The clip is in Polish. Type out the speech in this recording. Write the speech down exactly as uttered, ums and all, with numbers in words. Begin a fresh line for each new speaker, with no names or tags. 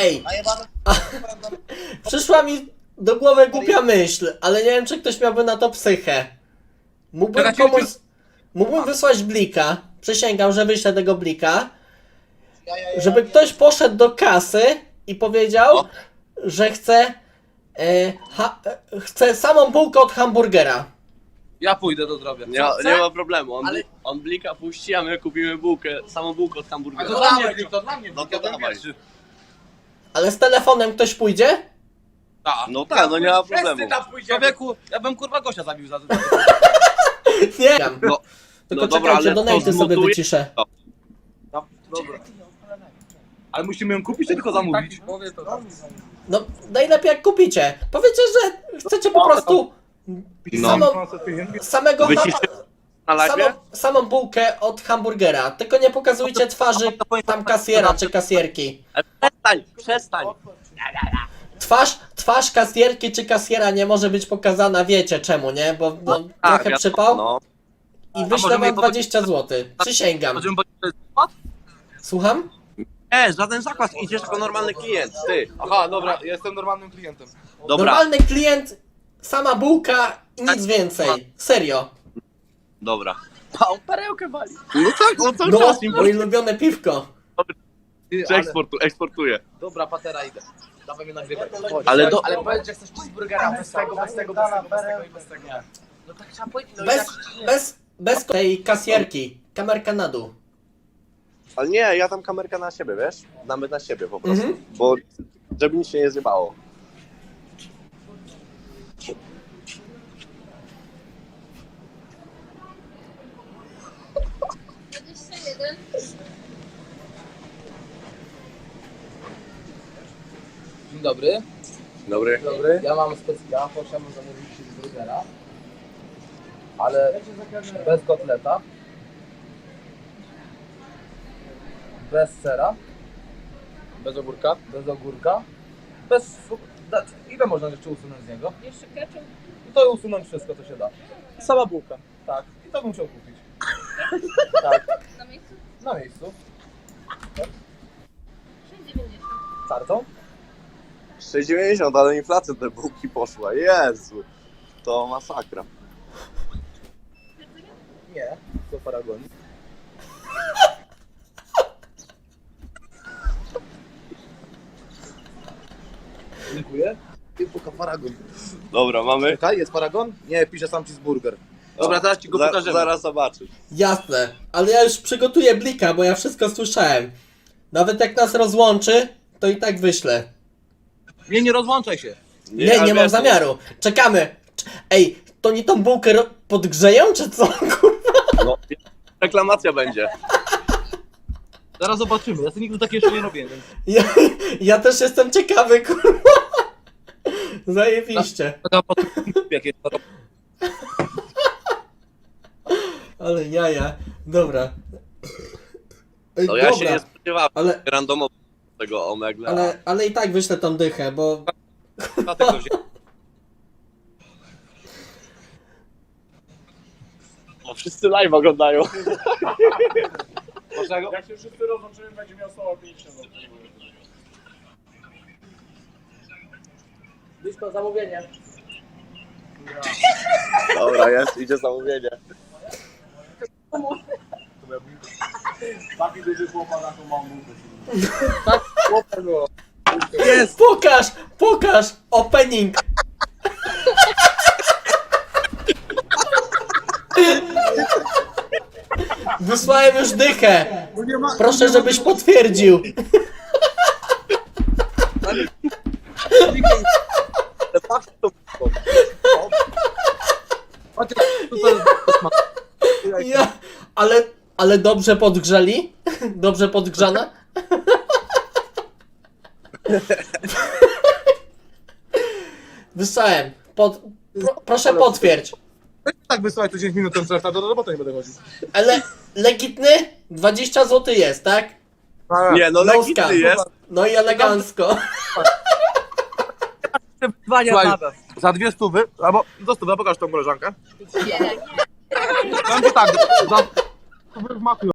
Ej, a, przyszła mi do głowy głupia myśl, ale nie wiem, czy ktoś miałby na to psychę. Mógłbym
Czekajcie,
komuś... Mógłbym wysłać blika, przysięgam, że wyślę tego blika, żeby ktoś poszedł do kasy i powiedział,
O.
że chce, e, ha, e, chce samą bułkę od hamburgera.
Ja pójdę do zdrowia.
Nie,
Co,
nie ma problemu, on,
Ale-
on blika puści, a my kupimy bułkę, samą bułkę od
A
hamburgera.
to dla mnie, to dla mnie.
No to
ja byłem
dawaj.
pierwszy.
Ale z telefonem ktoś pójdzie?
Tak.
No tak, no nie ma problemu.
Człowieku, ja bym kurwa gościa zabił za to.
Nie.
No,
Tylko
no dobra,
czekajcie,
ale to
donaty sobie
zmontuję-
wyciszę.
Dobra. Ale musimy ją kupić, czy tylko zamówić?
No, najlepiej jak kupicie. Powiecie, że chcecie po prostu
No.
samą, samego ham,
Wyciszę na live?
samą, samą bułkę od hamburgera. Tylko nie pokazujcie twarzy tam kasjera czy kasjerki.
Ale przestań, przestań.
Twarz, twarz kasjerki czy kasjera nie może być pokazana, wiecie czemu, nie? Bo no,
Tak,
trochę
wiadomo,
przypał
No.
i
A
wyślę
możemy
wam
je
dwadzieścia złotych. Przysięgam.
Będziemy
Słucham?
Nie, żaden zakład, idziesz jako normalny klient, ty.
Aha, dobra, ja jestem normalnym klientem.
Dobra,
Normalny klient, sama bułka i nic więcej. Serio.
dobra. A on perełkę wali. No tak, on cały
No,
czas im
moje ulubione piwko.
Ty,
Czy
ale,
eksportu, eksportuje.
dobra, patera idę. Dawaj mnie nagrywać.
Ale do-
ale powiedz, że chcesz cheeseburgera bez tego, bez tego, bez tego, bez tego i bez tego. No tak trzeba powiedzieć. No i
Bez,
tak,
bez, bez tej kasjerki. Kamerka na dół.
Ale nie, ja tam kamerkę na siebie, wiesz? Damy na siebie po prostu,
Mhm.
bo żeby nic się nie zjebało.
dwadzieścia jeden.
Dzień dobry.
Dobry.
Dobry. Ja mam specjalnie, proszę zamówić cheeseburgera. Ale bez kotleta. Bez sera. Bez ogórka. Bez ogórka. Bez... da- Ile można jeszcze usunąć z niego?
Jeszcze ketchup.
No to usunąć wszystko, co się da.
Sama bułka.
Tak. I to bym chciał kupić. Tak.
Na miejscu?
Na miejscu.
sześć dziewięćdziesiąt.
Kartą?
sześć dziewięćdziesiąt, ale inflacja te bułki poszła. Jezu. To masakra.
Nie. Do paragoni. Dziękuję. I puka paragon.
Dobra, mamy.
Czekaj, jest paragon? Nie, pisze sam cheeseburger. Dobra, teraz ci go
Za-
pokażemy.
Zaraz zobaczysz.
Jasne. Ale ja już przygotuję blika, bo ja wszystko słyszałem. Nawet jak nas rozłączy, to i tak wyślę.
Nie, nie rozłączaj się.
Nie, nie,
ale
mam
wiesz,
zamiaru. Czekamy. Cz- Ej, to nie tą bułkę ro- podgrzeją, czy co? Kurwa.
No, reklamacja będzie.
Zaraz zobaczymy. Ja sobie nigdy takie jeszcze nie robię, więc...
Ja, ja też jestem ciekawy, kurwa. Zajebiście.
Jak jest to...
Ale jaja. Dobra. Ej,
No ja się
dobra.
nie spodziewałem
Ale,
randomowo tego omegle.
ale, ale i tak wyślę tą dychę, bo...
Dlatego wziąłem.
O, wszyscy live oglądają.
Dlaczego?
Jak się wszyscy rozłączymy, będzie miał słowo pięćdziesiąt.
Blisko zamówienie.
Dobra, jest, idzie zamówienie.
Taki duży chłopak na tą małą bułkę.
Jest! Pokaż! Pokaż! Opening! Wysłałem już dychę! Proszę, żebyś potwierdził!
Ale patrz to.
Chociaż tutaj...
Ja, ale, ale dobrze podgrzeli? Dobrze podgrzana? Wysłałem. Pod, pro, proszę potwierdź.
Tak wysłać to dziesięć minut ten certa, do roboty nie będę chodził.
Ale legitny? dwadzieścia złotych jest, tak?
Nie, no
No
legitny
scam.
jest.
No i elegancko.
Słuchaj, za dwie stówy, albo do stówy, pokaż tą koleżankę. Będzie tak, za stówy w maku